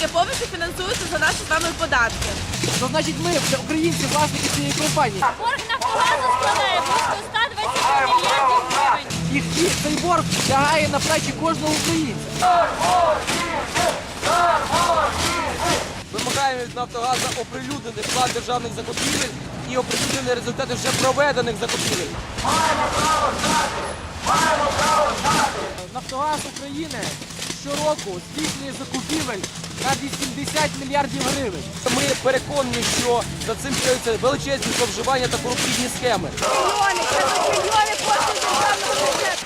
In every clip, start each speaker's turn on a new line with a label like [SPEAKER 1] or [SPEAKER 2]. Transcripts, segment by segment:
[SPEAKER 1] яке повністю фінансується за наші з вами податки.
[SPEAKER 2] То значить ми, українці, власники цієї компанії.
[SPEAKER 3] Борг Нафтогазу складає близько 120 мільярдів гривень.
[SPEAKER 2] І цей борг лягає на плечі кожного українця.
[SPEAKER 4] Вимагаємо від Нафтогазу оприлюднений план державних закупівель і оприлюднені результати вже проведених закупівель.
[SPEAKER 2] Нафтогаз України щороку здійснює закупівель на 80 мільярдів гривень.
[SPEAKER 4] Ми переконані, що за цим криються величезні зловживання та корупційні схеми.
[SPEAKER 1] Мільйони, це мільйони коштів державного бюджету.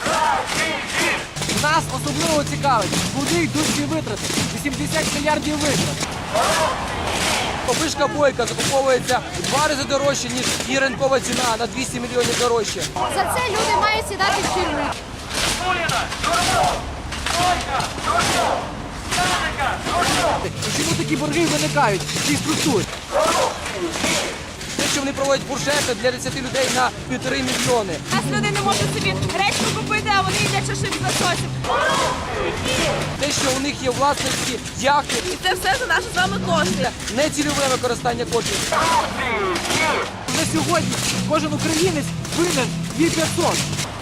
[SPEAKER 2] Нас особливо цікавить, куди йдуть ці витрати. 80 мільярдів витрат.
[SPEAKER 4] Опишка бойка закуповується в 2 рази дорожче, ніж її ринкова ціна, на 200 мільйонів дорожче.
[SPEAKER 3] За це люди мають сідати в тюрму.
[SPEAKER 2] І чому такі борги виникають в цій структурі?
[SPEAKER 4] Те, що вони проводять буржети для 10 людей на 1,5 мільйони.
[SPEAKER 1] У нас люди не можуть собі гречку купити, а вони їдять шашлик з лососем.
[SPEAKER 4] Те, що у них є власності яхти,
[SPEAKER 1] І це все за наші з вами кошти.
[SPEAKER 4] нецільове використання коштів.
[SPEAKER 2] Вже сьогодні кожен українець винен 2500.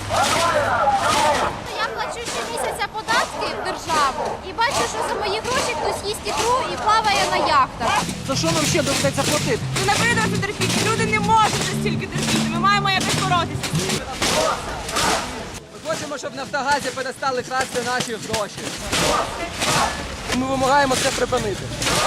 [SPEAKER 3] Я плачу щомісяця податки в державу і бачу, що за мої гроші хтось їсть ікру і плаває на яхтах.
[SPEAKER 2] За що нам ще доведеться платити?
[SPEAKER 1] Ми не прийдемо терпіти. Люди не можуть стільки терпіти. Ми маємо якось боротися.
[SPEAKER 4] Ми хочемо, щоб Нафтогазі перестали красти наші гроші. Ми вимагаємо це припинити.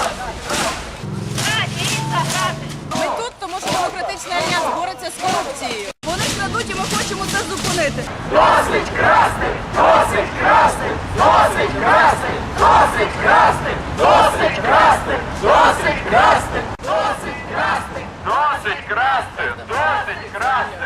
[SPEAKER 1] Ми тут, тому що демократичний альянс бореться з корупцією. Вони крадуть і ми хочемо це зупинити.
[SPEAKER 5] Досить красти! Досить красти! Досить красти! Досить красти! Досить красти! Досить красти! Досить красти! Досить красти! Досить красти!